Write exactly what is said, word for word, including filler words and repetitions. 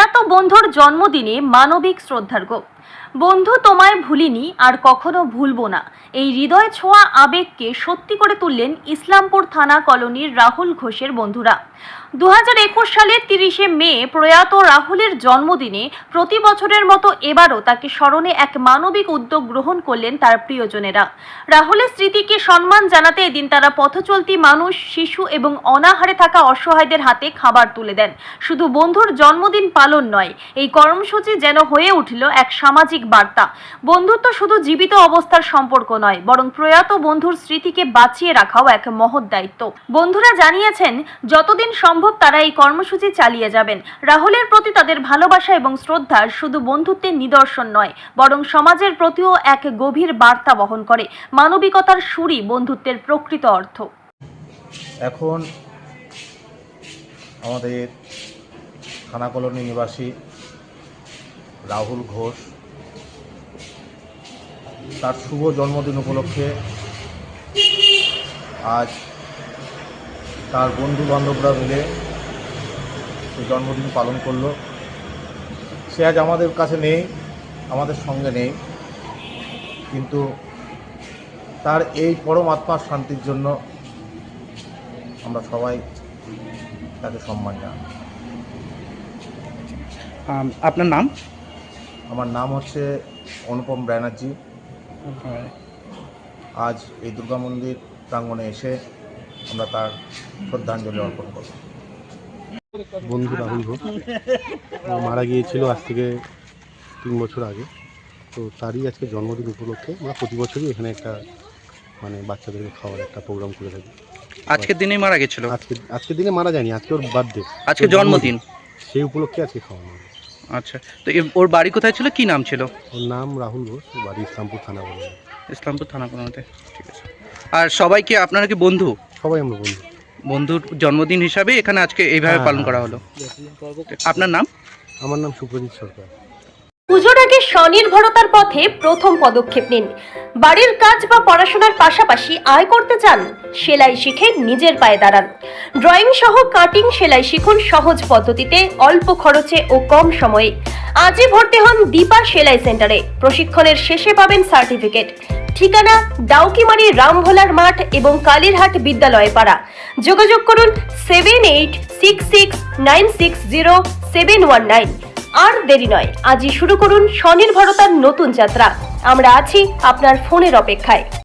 প্রয়াত বন্ধুর জন্মদিনে মানবিক শ্রদ্ধার্ঘ্য। বন্ধু তোমায় ভুলিনি আর কখনো ভুলবো না, এই হৃদয় ছোঁয়া আবেগকে সত্যি করে তুললেন ইসলামপুর থানা কলোনির রাহুল ঘোষের বন্ধুরা। দু হাজার একুশ সালের তিরিশে মে প্রয়াত রাহুলের জন্মদিনে প্রতি বছরের মতো এবারও তাকে স্মরণে এক মানবিক উদ্যোগ গ্রহণ করলেন তার প্রিয়জনেরা। রাহুলের স্মৃতিকে সম্মান জানাতে এদিন তারা পথচলতি মানুষ, শিশু এবং অনাহারে থাকা অসহায়দের হাতে খাবার তুলে দেন। শুধু বন্ধুর জন্মদিন পালন নয়, এই কর্মসূচি যেন হয়ে উঠল এক সামাজিক বার্তা। বন্ধুত্ব শুধু জীবিত অবস্থার সম্পর্ক নয়, বরং প্রয়াত বন্ধুর স্মৃতিকে বাঁচিয়ে রাখাও এক মহৎ দায়িত্ব। বন্ধুরা জানিয়েছেন যতদিন সম্ভব তারা এই কর্মসূচি চালিয়ে যাবেন। রাহুলের প্রতি তাদের ভালোবাসা এবং শ্রদ্ধা শুধু বন্ধুত্বের নিদর্শন নয়, বরং সমাজের প্রতিও এক গভীর বার্তা বহন করে। মানবিকতার সুরই বন্ধুত্বের প্রকৃত অর্থ। এখন আমাদের থানা কলোনি নিবাসী রাহুল ঘোষ তার শুভ জন্মদিন উপলক্ষে আজ তার বন্ধু বান্ধবরা মিলে সেই জন্মদিন পালন করলো। সে আজ আমাদের কাছে নেই, আমাদের সঙ্গে নেই, কিন্তু তার এই পরম আত্মার শান্তির জন্য আমরা সবাই তাকে সম্মান জানাই। আপনার নাম? আমার নাম হচ্ছে অনুপম ব্যানার্জি। আজ এই দুর্গা মন্দির প্রাঙ্গণে এসে আমরা তার শ্রদ্ধাঞ্জলি অর্পণ করব। বন্ধু রাহুল ঘোষ মারা গিয়েছিল আজ থেকে তিন বছর আগে, তো তারই আজকে জন্মদিন উপলক্ষে আমরা প্রতি বছরই এখানে একটা মানে বাচ্চাদেরকে খাওয়ার একটা প্রোগ্রাম করে থাকি। আজকের দিনেই মারা গেছিল? আজকে আজকের দিনে মারা যায়নি, আজকে ওর বার্থডে, আজকে জন্মদিন, সেই উপলক্ষে আজকে খাওয়ানো হবে। আচ্ছা, তো ওর বাড়ি কোথায় ছিল, কি নাম ছিল? ওর নাম রাহুল ঘোষ, বাড়ি ইসলামপুর থানা বলে। ইসলামপুর থানা কোনোতে, ঠিক আছে। আর সবাইকে আপনারা কি বন্ধু? সবাই আমরা বন্ধু। বন্ধুর জন্মদিন হিসাবে এখানে আজকে এইভাবে পালন করা হলো। আপনার নাম? আমার নাম সুপ্রজিৎ সরকার। পুজোর আগে স্বনির্ভরতার পথে প্রথম পদক্ষেপ নিন। বাড়ির কাজ বা পড়াশোনার পাশাপাশি আয় করতে চান? সেলাই শিখে নিজের পায়ে দাঁড়ান। ড্রয়িং সহ কাটিং সেলাই শিখুন সহজ পদ্ধতিতে, অল্প খরচে ও কম সময়ে। আজই ভর্তি হন দীপা সেলাই সেন্টারে। প্রশিক্ষণের শেষে পাবেন সার্টিফিকেট। ঠিকানা ডাউকিমারি রামভোলার মাঠ এবং কালীরহাট বিদ্যালয় পাড়া। যোগাযোগ করুন seven eight six six nine six zero seven one nine. আর দেরি নয়, আজই শুরু করুন স্বনির্ভরতার নতুন যাত্রা। আমরা আছি আপনার ফোনের অপেক্ষায়।